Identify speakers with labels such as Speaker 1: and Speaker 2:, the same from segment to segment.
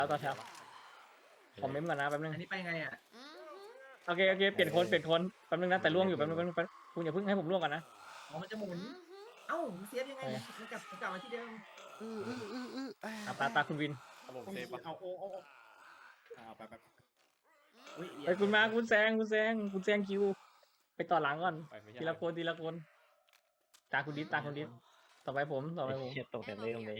Speaker 1: แล้วต่อแถวคอมเมนต์ก่อนนะแป๊บนึง
Speaker 2: อันนี้ไปไงอ่ะ
Speaker 1: โอเคเปลี่ยนคนแป๊บนึงนะแต่ล่วงอยู่แป๊บนึงคุณอย่าเพิ่งให้ผมล่วงก่อนนะ
Speaker 2: อ๋อมันจะหมุนเอ้าเซฟยังไงมันกลับมาที่เดิม
Speaker 1: ตาคุณวิน
Speaker 3: ผมเซฟปะ
Speaker 4: เอาไป
Speaker 2: อุ้ย
Speaker 1: ไอ้คุณมาคุณแซงคิวไปต่อหลังก่อน
Speaker 3: ไปไม่ใช่
Speaker 1: ทีละคนตาคุณดิษต่อไปผม
Speaker 5: เฮียตกแต่เริ่มเลย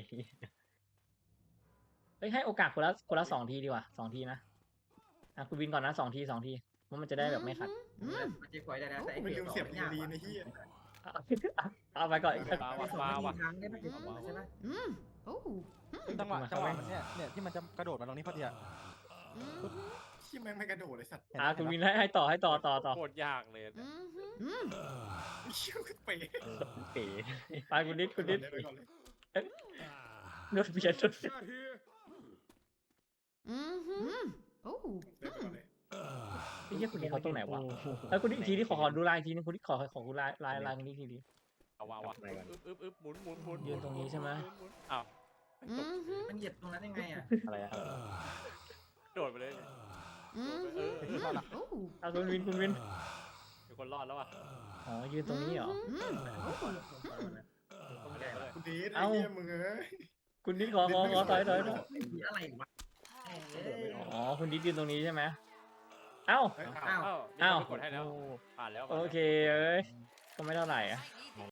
Speaker 1: เฮ้ยให้โอกาสคนละ2 ทีดีกว่า2 ทีนะคุณวินก่อนนะ2 ทีว่ามันจะได้แบบไม่ขัด
Speaker 2: มันจะคอยได้นะแต่
Speaker 4: ไม่ลืมเสียบลีในที่
Speaker 1: เอาไปก่อน
Speaker 3: มาว่ะ
Speaker 2: ครั้งได้ไหมใช่ไหม
Speaker 6: จังหวะมันเนี่ยที่มันจะกระโดดมาตรงนี้พอดีอะ
Speaker 4: ที่แม่งไม่กระโดดเลยสัตว์
Speaker 1: คุณวินให้ต่อ
Speaker 3: โคตรยากเลย
Speaker 4: เชี่ยวเป๋
Speaker 5: เป๋
Speaker 1: ไปคุณดิษ
Speaker 4: ไปก่อนเลย
Speaker 1: โดนเบียด
Speaker 4: ไปก่อนเลย
Speaker 1: ไอ้เหี้ยคุณดิษเขาตรงไหนวะแล้วคุณดิษอีกทีที่ขอดูลายอีกทีนึงคุณดิษขอคุณลายคุณดิษทีนี้
Speaker 3: เอาวะอึ๊บหมุน
Speaker 1: ยืนตรงนี้ใช่ไหม
Speaker 3: อ้าว
Speaker 2: มันเหยียบตรงนั้นยังไงอ่ะ
Speaker 5: อะไรอะ
Speaker 3: โดดไปเลย
Speaker 1: คุณวิน
Speaker 3: มีคนรอดแล้วอ่ะ
Speaker 1: อ๋อยืนตรงนี้เหรอ
Speaker 4: คุณดีไอ้เหี้ยมึงเอ้ย
Speaker 1: คุณดิษขอถอย
Speaker 2: อะไรวะ
Speaker 1: อ๋อคุณดิษยืนตรงนี้ใช่ไหมเอ้า
Speaker 3: อ้าวกดให้แล้วผ่านแล้ว
Speaker 1: โอเคก็ไม่เท่าไหร่อะ